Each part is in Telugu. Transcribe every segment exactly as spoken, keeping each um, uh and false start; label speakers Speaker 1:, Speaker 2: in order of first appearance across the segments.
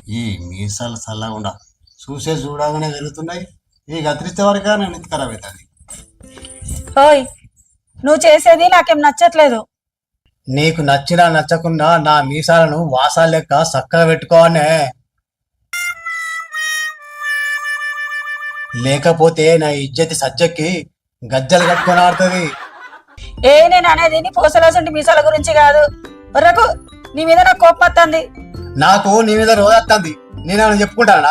Speaker 1: ఈ మీసాలు చల్లకుండా చూసే చూడగానే వెలుగుతున్నాయి. ఈ గతిరిస్తే వరకు నేను ఇంత ఖరాబ్ అవుతుంది.
Speaker 2: ఓయ్, నువ్వు చేసేది నాకేం నచ్చట్లేదు.
Speaker 1: నీకు నచ్చినా నచ్చకుండా నా మీసాలను వాసాలు లెక్క చక్కగా పెట్టుకోవాలనే, లేకపోతే నా ఇజ్జతి సజ్జకి గజ్జలు కట్టుకొని ఆడుతుంది.
Speaker 2: ఏ నేను అనేది నీ పూసలాసంటి మీసాల గురించి కాదు. ఒర్రకు, నీ మీద నాకు కోపం వస్తుంది.
Speaker 1: నాకు నీ మీద రోజు వస్తుంది. నేనేమైనా చెప్పుకుంటానా?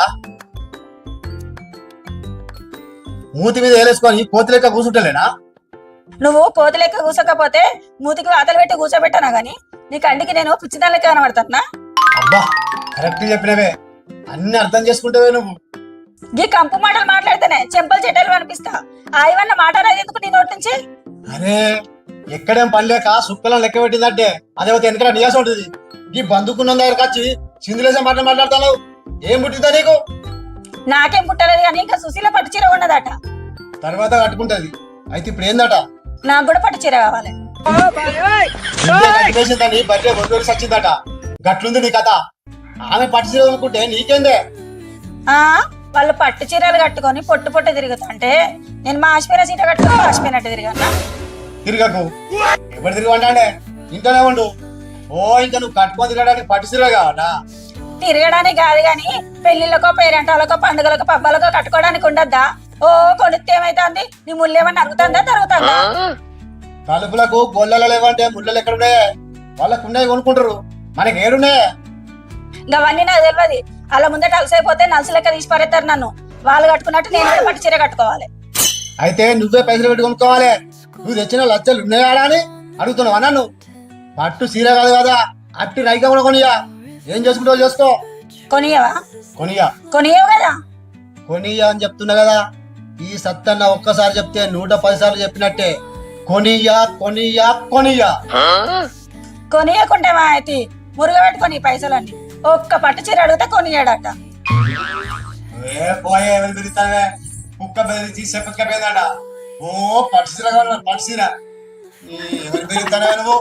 Speaker 1: మూతి మీద వేలేసుకొని కోతి లెక్క కూర్చుంటలేనా?
Speaker 2: నువ్వు కోతి లెక్క కూసకపోతే మూతికి వాతలు పెట్టి కూర్చోబెట్టానా గాని నీ కంటికి నేను పిచ్చిదాని లెక్క కనబడతానా?
Speaker 1: అబ్బా, కరెక్ట్ చెప్పినవే. అన్ని అర్థం చేసుకుంటావే నువ్వు.
Speaker 2: ఈ కంపు మాటలు మాట్లాడితేనే చెంపలు చెడ్డలు అనిపిస్తా. ఆయవన్న మాట రాదు ఎందుకు నీ నోటి నుంచి?
Speaker 1: అరే, ఎక్కడేం పని లేక సుక్కలను లెక్క పెట్టిందంటే అదే ఒక వెనక నియాసం ఉంటుంది. ఈ బందుకున్న దగ్గరకు వచ్చి సింధులేసే మాట మాట్లాడతావు. ఏం పుట్టిందా నీకు?
Speaker 2: నాకేం పుట్టలేదు కానీ ఇంకా సుశీల పట్టు చీర ఉన్నదట.
Speaker 1: తర్వాత కట్టుకుంటది. అయితే ఇప్పుడు ఏందట?
Speaker 2: నాకు కూడా పట్టు చీర కావాలి.
Speaker 1: కట్టేసిందని బర్రె రెండు సచ్చిందట. గట్లుంది నీ కథ. ఆమె పట్టు చీర అనుకుంటే నీకేందే?
Speaker 2: ఆ వాళ్ళు పట్టు చీరలు కట్టుకొని పొట్టు పొట్టు తిరుగుతుంటే నేను మా ఆశ్మీర చీర కట్టుకొని ఆశ్మీనట్టు తిరిగానా?
Speaker 1: తిరగకు. ఎవరు తిరగంటే ఇంట్లోనే ఉండు. ఓ, ఇంకా నువ్వు కట్టుకొని తిరగడానికి పట్టు చీర కావాలా?
Speaker 2: తిరగడానికి కాదు గాని పెళ్లిళ్ళకో పేరెంటాలకో పండుగలకో పబ్బాలకో కట్టుకోవడానికి ఉండద్దా? ఓ, కొనిస్తే ఏమైతుంది? నీ ముళ్ళు ఏమన్నా అరుగుతుందా తరుగుతుందా?
Speaker 1: తలుపులకు గొల్లలు లేవంటే ముళ్ళలు ఎక్కడున్నాయే? వాళ్ళకు ఉన్నాయి కొనుక్కుంటారు, మనకి ఏడున్నాయే?
Speaker 2: అవన్నీ నాకు తెలియదు. అలా ముందట అలసైపోతే నలుసు లెక్క తీసి పారేస్తారు నన్ను. వాళ్ళు కట్టుకున్నట్టు నేను కూడా పట్టు చీర కట్టుకోవాలి.
Speaker 1: అయితే నువ్వే పైసలు పెట్టి కొనుక్కోవాలి. నువ్వు తెచ్చిన లచ్చలు ఉన్నాయా అని అడుగుతున్నావా నన్ను? పట్టు చీర కాదు కదా, అట్టి రైగా కూడా కొనియా. ఏం చేసుకుంటావు చేసుకో.
Speaker 2: కొనియవా?
Speaker 1: కొనియా.
Speaker 2: కొనియవు కదా?
Speaker 1: కొనియా అని చెప్తున్నా కదా. ఈ సత్తన్న ఒక్కసారి చెప్తే నూట పది సార్లు చెప్పినట్టే. కొనియా కొనియా కొనియా.
Speaker 2: కొనియకుంటే మా అయితే మురుగ పెట్టుకొని పైసలన్నీ ఒక్క పట్టు చీర అడిగితే కొనియాడట.
Speaker 1: ఏ పోయే, ఎవరు బెదిరిస్తావే? కుక్క బెదిరించి చెప్పకపోయిందట. ఓ, పట్టు చీర కావాలి, పట్టు చీర. ఎవరు బెదిరిస్తావే నువ్వు?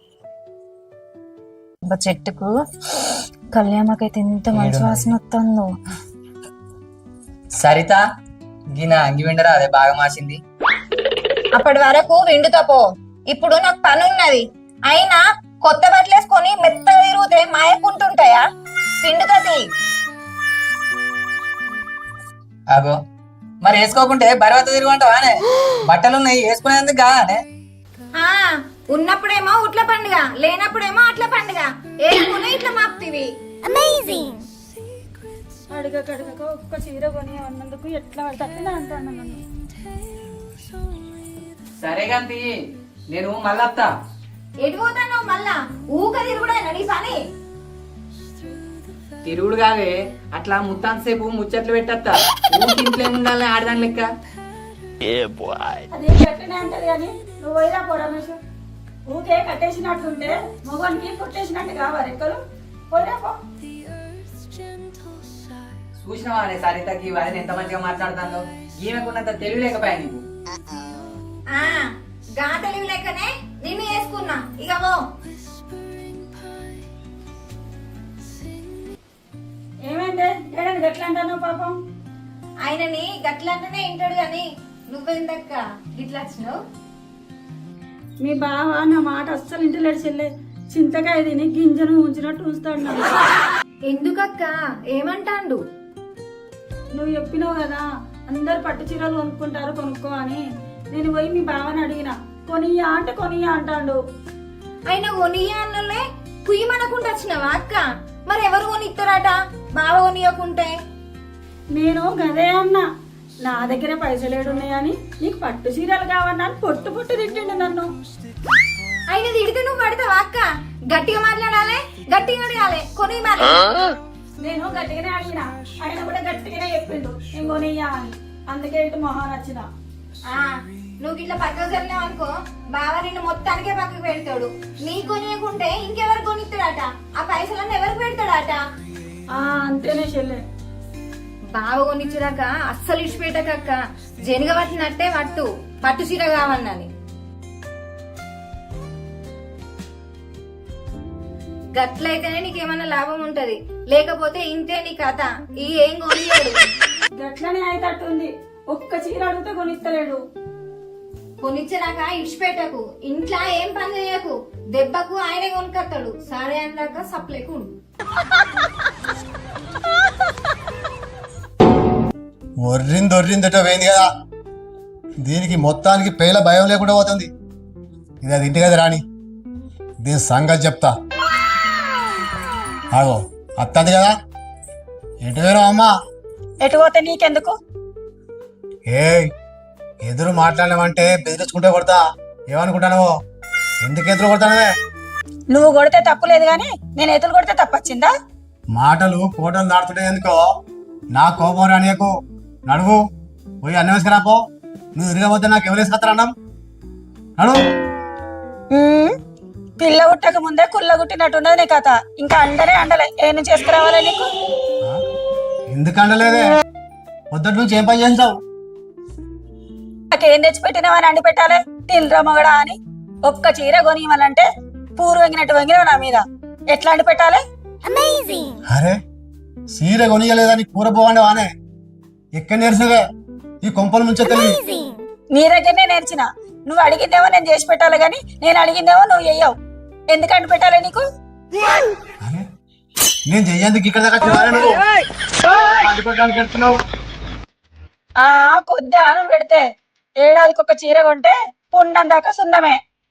Speaker 2: చెట్టుకు కళ్యాణకైతే ఎంత మంచి వాసన వస్తుందో.
Speaker 3: సరిత, గిన అంగి విండరా అదే బాగా మార్చింది.
Speaker 4: అప్పటి వరకు విండుతో పో. ఇప్పుడు నాకు పని ఉన్నది. అయినా కొత్త బట్టలు వేసుకొని మెత్తగా తిరిగితే మాయకుంటుంటాయా? పిండుతది.
Speaker 3: అగో, మరి వేసుకోకుంటే బరవత తిరుగుంటావానే? బట్టలున్నాయి వేసుకునేందుకు కానే.
Speaker 4: ఆ ఉన్నప్పుడేమో ఉట్ల పండుగ, లేనప్పుడేమో అట్ల పండుగ. ఏమున్నా ఇట్లా మాప్తివి. అమేజింగ్.
Speaker 2: అడగక అడగక ఒక్క చీర కొని అన్నందుకు ఎట్లా తప్పినా అంటాను నన్ను.
Speaker 3: సరే గంతి, నేను మళ్ళత్తా.
Speaker 4: ఎటు పోతాను మళ్ళా? ఊక తిరుగుడేనా నీ పని?
Speaker 3: తిరుగుడు కాదే, అట్లా ముత్తాన్ సేపు ముచ్చట్లు పెట్టత్తా. ఇంట్లో ఉండాలని ఆడదాని లెక్క.
Speaker 2: అదే గట్టినే అంటది కానీ నువ్వు పోయిరా పో రమేష్. ఊకే కట్టేసినట్టుంటే మొగోనికి కొట్టేసినట్టు కావాలి ఎక్కలు. పోయిరా పో.
Speaker 3: చూసినవా అనే సరితకి వారిని ఎంత మంచిగా మాట్లాడుతాందో. ఈమెకున్నంత తెలివి లేకపోయా నీకు.
Speaker 4: ఆ గా తెలివి లేకనే నిన్ను వేసుకున్నా. ఇక పో.
Speaker 2: ఏమైందే ఏడాది గట్లా అంటాను పాపం?
Speaker 4: ఆయనని గట్లంటేనే వింటాడు గాని నువ్వెందక్క గిట్లా వచ్చినావు?
Speaker 2: మీ బావ నా మాట అస్సలు ఇంటలేడు చెల్లె. చింతకాయ తిని గింజను ఉంచినట్టు ఉంచుతాడు నన్ను.
Speaker 4: ఎందుకక్క? ఏమంటాండు?
Speaker 2: నువ్వు చెప్పినావు కదా అందరు పట్టు చీరలు కొనుక్కుంటారు కొనుక్కో అని. నేను పోయి మీ బావని అడిగిన, కొనియా అంటే కొనియా అంటాడు.
Speaker 4: ఆయన కొనియా అన్నలే కుయ్యమనకుండా వచ్చినావా అక్క? మరి ఎవరు కొనిస్తారట బావ కొనియకుంటే?
Speaker 2: నేను గదే అన్నా, నా దగ్గర పైసలేడున్నాయని నీకు పట్టు చీరలు కావన్నా అని పొట్టు పొట్టు తిట్టిండు నన్ను.
Speaker 4: ఆయన తిడితే నువ్వు పడతావా అక్క? గట్టిగా మాట్లాడాలి, గట్టిగా అడగాలి. కొని మరి
Speaker 2: నేను గట్టిగానే అడిగిన, ఆయన కూడా గట్టిగానే చెప్పిండు నేను కొనియ్యా అని. అందుకే ఇటు మొహాన్ వచ్చిన.
Speaker 4: ఆ నువ్వు ఇట్లా పక్కకు జరిగినావు అనుకో, బావ నిన్ను మొత్తానికే పక్కకు పెడతాడు. నీ కొనియకుంటే ఇంకెవరు కొనిస్తాడట? ఆ పైసలన్నీ ఎవరికి పెడతాడట?
Speaker 2: ఆ అంతేనే చెల్లె.
Speaker 4: బావ కొనిచ్చిరాక అస్సలు ఇచ్చిపెట్టకక్క. జనగ పట్టినట్టే పట్టు, పట్టు చీర కావాలని. గట్లయితేనే నీకేమన్నా లాభం ఉంటది. లేకపోతే ఇంతే నీ కథ ఈ ఏం కొనియాడు.
Speaker 2: గట్లనే అయితట్టుంది. ఒక్క చీర అడిగితే కొనిస్తలేడు.
Speaker 4: కొనిచ్చినాక ఇడిచిపెట్టకు, ఇంట్లో ఏం పని చేయకు, దెబ్బకు ఆయనే కొనుక్కొస్తాడు. సరే అన్నాక సప్లైకు ఉండు.
Speaker 1: ఒర్రింది ఒర్రిందట పోయింది కదా, దీనికి మొత్తానికి పేల భయం లేకుండా పోతుంది. ఇది అది ఇంటి కదా రాని, దీని సంగతి చెప్తా. ఆగో అత్తది కదా, ఎటు వేరు అమ్మా?
Speaker 2: ఎటు పోతే నీకెందుకు?
Speaker 1: ఏ ఎదురు మాట్లాడలేమంటే బెదిరించుకుంటే కొడతా. ఏమనుకుంటాను? ఎందుకు ఎదురు కొడతానవే?
Speaker 2: నువ్వు కొడితే తప్పు లేదు గాని నేను ఎదురు కొడితే తప్పొచ్చిందా?
Speaker 1: మాటలు కోటలు దాడుతుంటాయి ఎందుకో. నా కోపం రానియకు. నడువు పోయి అన్నం వేసుకురాపో. నువ్వు తిరగబోతే నాకు ఎవరు వేసుకొస్తారు అన్నం? నడువు.
Speaker 2: ఉమ్, పిల్ల గుట్టక ముందే కుల్ల గుట్టినట్టున్నది నీ కథ. ఇంకా అండలే అండలే ఏం చేసుకురావాలి నీకు?
Speaker 1: ఆ? ఎందుకు అండలేదే? పొద్దుటి నుంచి ఏం పని చేస్తావు?
Speaker 2: నాకేం తెచ్చిపెట్టినావని అండి పెట్టాలి తిల్రా మగడా అని. ఒక్క చీర కొనివ్వాలంటే పూరు వంగినట్టు వంగినావు నా మీద. ఎట్లా అండి పెట్టాలి?
Speaker 1: అరే సీర కొనియలేదని కూర పోవండి వానే ఎక్కడ నేర్చుగా ఈ కొంపల నుంచే తెలియదు.
Speaker 2: నీ దగ్గరనే నేర్చిన. నువ్వు అడిగిందేమో నేను చేసి పెట్టాలి గాని నేను అడిగిందేమో నువ్వు చెయ్యవు. ఎందుకు అండి పెట్టాలి నీకు?
Speaker 1: అరే నేను చెయ్యేందుకు ఇక్కడ దాకా చిరాలే నువ్వు. అడ్డుకోవడానికి వెళ్తున్నావు.
Speaker 2: ఆ కొద్ది ఆనం పెడితే ఏడాదికి ఒక చీర కొంటే పుండం దాకా సున్నమే.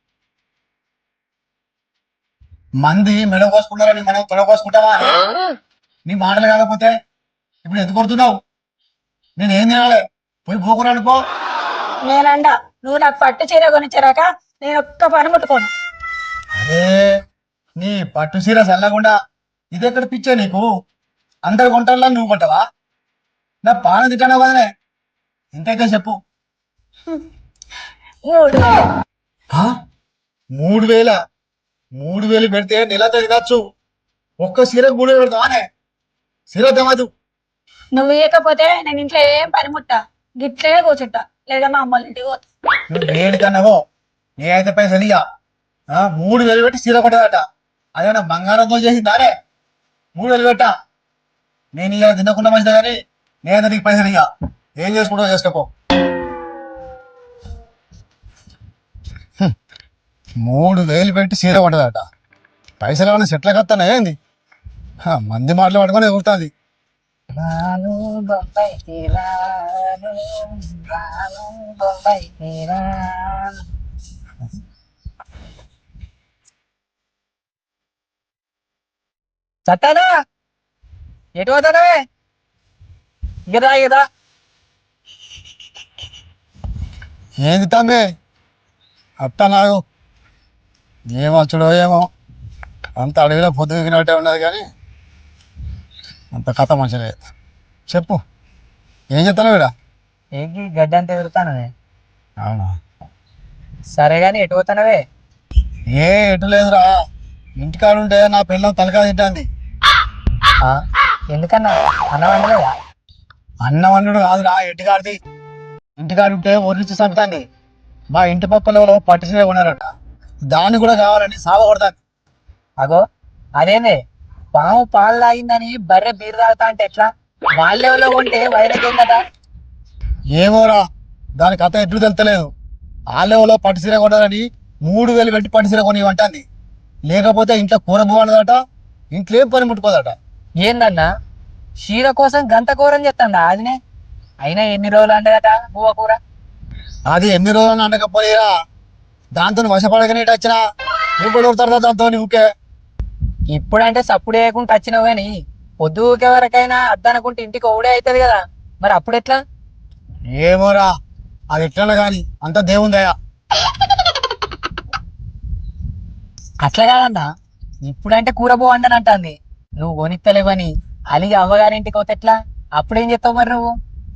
Speaker 1: మంది మెడ కోసుకుంటారని మనం తొడ కోసుకుంటావా? నీ మాటలు కాకపోతే ఇప్పుడు ఎందుకు కొడుతున్నావు? నేను ఏం తినాలి? పోయి పోకురా అనుకో.
Speaker 2: నేనండ నువ్వు నాకు పట్టు చీర కొనిచ్చారాక నేను ఒక్క పని ముట్టుకోను.
Speaker 1: అరే నీ పట్టు సీర చల్లకుండా ఇది ఎక్కడ పిచ్చే నీకు? అందరు కొంటారా నువ్వు కొంటావా? నా పాన తిట్టాను కదనే. ఎంతైతే చెప్పు.
Speaker 2: మూడు వేలు.
Speaker 1: ఆ? మూడు వేల మూడు వేలు పెడితే నెలతో తినచ్చు. ఒక్క సీరకు మూడు వేలు పెడతావానే? సీర తెమదు.
Speaker 2: నువ్వు ఇవ్వకపోతే నేను ఇంట్లో ఏం పని ముట్టా, గిట్లే కూర్చుంటా, లేదా మా అమ్మోళ్ళ ఇంటికి పోతా.
Speaker 1: నువ్వు వేడికన్నావో నేనైతే పైసలు ఇయ్య. ఆ మూడు వేలు పెట్టి సీర కొట్టదట. అదేమన్నా బంగారంతో చేసిందానే? మూడు వేలు పెట్టా. నేను ఇక తినకుండా మంచిదా కానీ నేనైతే నీకు పైసలు ఇయ్య. ఏం చేసుకుంటావు చేసుకోపో. హ్మ్. మూడు వేలు పెట్టి సీర కొట్టదట. పైసలు ఏమన్నా సెట్ల కత్తానా ఏంది? హ, మంది మాటలు పట్టుకొని ఎగురుతుంది.
Speaker 3: చట్టానా ఎటు పోతానవే? ఇగదా ఇగదా
Speaker 1: ఏంది తమ్మి అత్త నాకు ఏమొచ్చుడో ఏమో. అంత అడవిలో పొద్దు దిగినట్టే ఉన్నది కానీ అంత కథ మంచిగా లేదు. చెప్పు ఏం చెప్తాను వీడా?
Speaker 3: ఏంటి గడ్డ అంతా ఎదురుతానవే?
Speaker 1: అవునా?
Speaker 3: సరే గాని ఎటు పోతానవే?
Speaker 1: ఏ ఎటు లేదురా, ఇంటికాడ ఉంటే నా పిల్లలు తలకా తింటుంది.
Speaker 3: ఎందుకన్నా అన్నం వండలేదా?
Speaker 1: అన్నం వండుడు కాదురా, ఇంటికాడిది. ఇంటికాడ ఉంటే ఒరించి చంపుతాంది. మా ఇంటి పక్కలో పట్టిసే ఉన్నారట, దాన్ని కూడా కావాలని సావ కొడతాను.
Speaker 3: అగో అదేనే పాము పాలు తాగిందని బర్రె బీరు తాగుతా అంటే ఎట్లా? వాళ్ళెవలో కొంటే వైరకేందట?
Speaker 1: ఏమోరా, దాని కథ ఎట్లు తెలుతలేదు. ఆ లెవెల్లో పట్టుసీర కొనాలని మూడు వేలు పెట్టి పట్టుసీర కొనివ్వంటుంది. లేకపోతే ఇంట్లో కూర పోవాలదట, ఇంట్లో ఏం పని ముట్టుకోదట.
Speaker 3: ఏందన్నా చీర కోసం గంత కూరని చెప్తాండా అదినే? అయినా ఎన్ని రోజులు అంటదట బువ్వ కూర?
Speaker 1: అది ఎన్ని రోజులు అనకపోయిరా, దాంతో వశపడగానే ఇటు వచ్చినా నువ్వు కొడతారు దాంతో ఊకే.
Speaker 3: ఇప్పుడంటే సప్పుడు వేయకుండా వచ్చినావు కానీ పొద్దు ఊకే వరకైనా అద్దనుకుంటే ఇంటికి ఒకడే అవుతుంది కదా, మరి అప్పుడు ఎట్లా?
Speaker 1: ఏమోరా, అది ఎట్లా కానీ అంత దేవుందయ్యా.
Speaker 3: అట్లా కాదన్నా, ఇప్పుడంటే కూర పోవండని అంటుంది. నువ్వు కొనిత్తలేవని అలిగి అవ్వగారింటికి పోతే ఎట్లా? అప్పుడేం చెప్తావు మరి నువ్వు?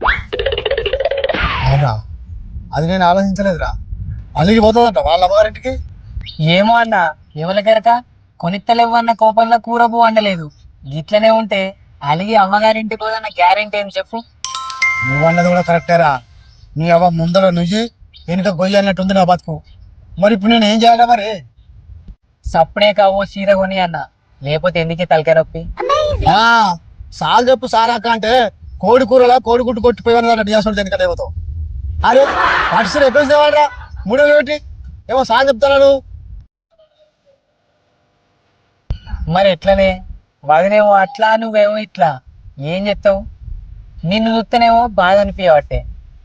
Speaker 1: అవునా, అది నేను ఆలోచించలేదురా. అలిగి పోతుందంట వాళ్ళ అమ్మగారింటికి.
Speaker 3: ఏమో అన్న, ఎవరికరక కొనిత్తలేవన్న కోపంలో కూర పో వండలేదు. ఇట్లనే ఉంటే అలిగి అమ్మగారింటికి పోదన్న గ్యారెంటీ ఏం చెప్పు?
Speaker 1: నువ్వు అన్నది కూడా కరెక్టేరా. నీ అవ్వ ముందర నువ్వు వెనుక గొయ్యి అన్నట్టుంది నా బతుకు. మరి ఇప్పుడు నేను ఏం చేయాలా మరి?
Speaker 3: సప్పుడే కావో చీర కొని అన్న, లేకపోతే ఎందుకే తలకాయ నొప్పి?
Speaker 1: ఆ సాల్ చెప్పు సారాక అంటే కోడి కూరలా కోడి గుట్టు కొట్టిపోయిన చేస్తాడు దేనికంటే ఏమవుతావు అరే పట్టు ఎక్కడ తేవాడరా మూడు వేలు పెట్టి ఏమో సాల్ చెప్తాను
Speaker 3: మరి ఎట్లనే వదినేమో అట్లా నువ్వేమో ఇట్లా ఏం చెప్తావు? నిన్ను చూస్తేనేమో బాధ అనిపించబట్టే.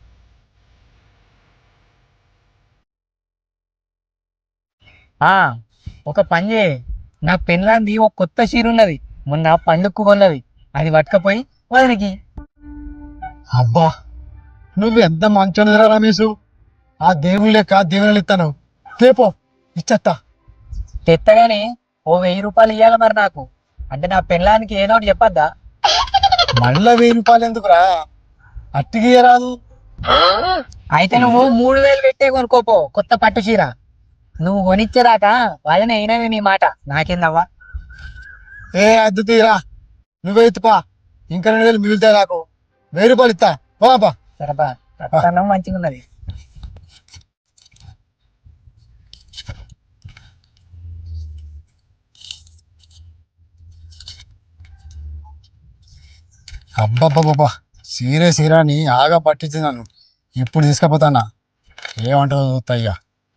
Speaker 3: ఆ ఒక పని చేయి, నా పెళ్ళాంది ఒక కొత్త చీర ఉన్నది, మొన్న పండుగకు కొన్నది, అది పట్టుకపోయి వదినికి.
Speaker 1: అబ్బా నువ్వు ఎంత మంచోని రమేష్, ఆ దేవుని లెక్క దేవుని ఇస్తాను రేపో ఇచ్చత్తా.
Speaker 3: తెత్తగాని ఓ వెయ్యి రూపాయలు ఇవ్వాలి మరి నాకు, అంటే నా పెళ్ళానికి ఏదో ఒకటి చెప్పద్దా?
Speaker 1: మళ్ళా వెయ్యి రూపాయలు ఎందుకురా, అట్టికి రాదు.
Speaker 3: అయితే నువ్వు మూడు వేలు పెట్టే కొనుక్కోపో కొత్త పట్టు చీర. నువ్వు కొనిచ్చేదాకా వాళ్ళని అయినవి నీ మాట, నాకేందవ్వా.
Speaker 1: ఏ అద్దు తీరా నువ్వే ఎత్తుపా, ఇంకా రెండు వేలు మిగులుతాయి నాకు, వెయ్యి రూపాయలు ఇస్తా పోపా.
Speaker 3: సరబా రత్నం మంచిగా ఉన్నది.
Speaker 1: అబ్బబ్బబ్బబ్బా సీరే సీరాని ఆగా పట్టించింది నన్ను, ఇప్పుడు తీసుకపోతానా ఏమంటుందో చూస్తా. ఇక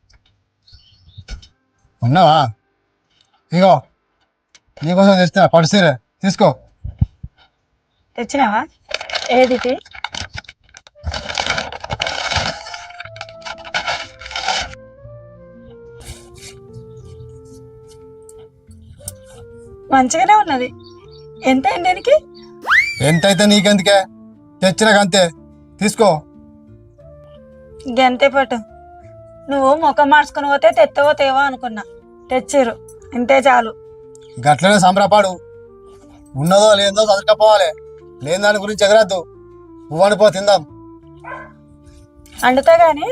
Speaker 1: ఉన్నావా? ఇగో నీకోసం తెస్తా పట్టు సీరే, తీసుకో.
Speaker 2: తెచ్చినావా? ఏది ఇది? మంచిగానే ఉన్నది. ఎంత అయింది దీనికి?
Speaker 1: ఎంతైతే నీకెందుకే, తెచ్చినాకంతే తీసుకో.
Speaker 2: గంతే పట్టు. నువ్వు ముఖం మార్చుకుని పోతే తెత్తవో తేవో అనుకున్నా, తెచ్చిర్రు ఇంతే చాలు.
Speaker 1: గట్లనే సంబరపాడు, ఉన్నదో లేదో చదువుకపోవాలి, లేని దాని గురించి ఎగరద్దు. పువ్వు అనిపో తిందాం.
Speaker 2: అండుతా గాని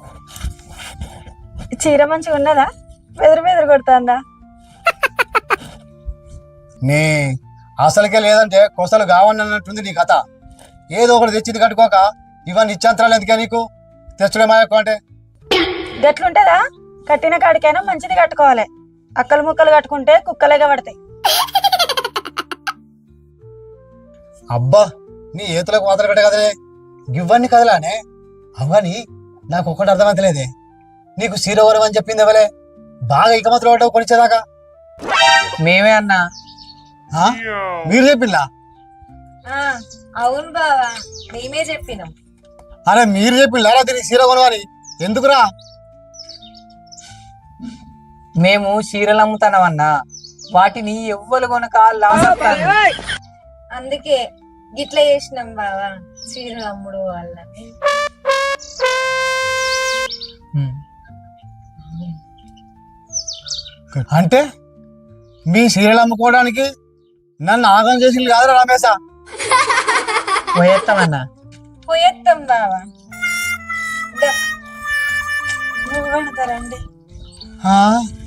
Speaker 2: చీర మంచిగా ఉన్నదా? బెదిరి బెదిరి కొడుతుందా?
Speaker 1: నీ అసలుకే లేదంటే కొసలు కావండి అన్నట్టుంది నీ కథ. ఏదో ఒకటి తెచ్చింది కట్టుకోక ఇవన్నీ ఇచ్చంతరాలు ఎందుకే నీకు, తెచ్చుడే మాయకు అంటే.
Speaker 2: గట్లుంటదా? కట్టిన కాడికైనా మంచిది కట్టుకోవాలి, అక్కలు ముక్కలు కట్టుకుంటే కుక్కలేగా పడతాయి.
Speaker 1: అబ్బా నీ ఏతులకు మాత్రం పెట్ట కదలే, ఇవన్నీ కదలానే. అవని నాకు ఒక్కటి అర్థమవుతలేదే, నీకు సీరవరం అని చెప్పింది ఎవలే? బాగా ఇక మాత్రం ఒకటో కొనిచ్చేదాకా
Speaker 3: మేమే అన్నా.
Speaker 1: ఆ? మీరు చెప్పిందా?
Speaker 4: అవును బావా, మేమే చెప్పినాం.
Speaker 1: అరే మీరు చెప్పిందా దీనికి సీర కొనవని? ఎందుకురా?
Speaker 3: మేము చీరలు అమ్ముతానమన్నా, వాటిని ఎవ్వరు కొనక లాస్ అవుతారు.
Speaker 4: అందుకే గిట్లా చేసినాం బావా, చీరలు అమ్ముడు వాళ్ళని.
Speaker 1: అంటే మీ సీరియల్ అమ్ముకోవడానికి నన్ను ఆగం చేసింది కాదురా రమేశా?
Speaker 3: పోయేస్తామన్నా.
Speaker 4: పోయేత్తాం బావా.
Speaker 2: నువ్వు పెడతారండి.
Speaker 1: ఆ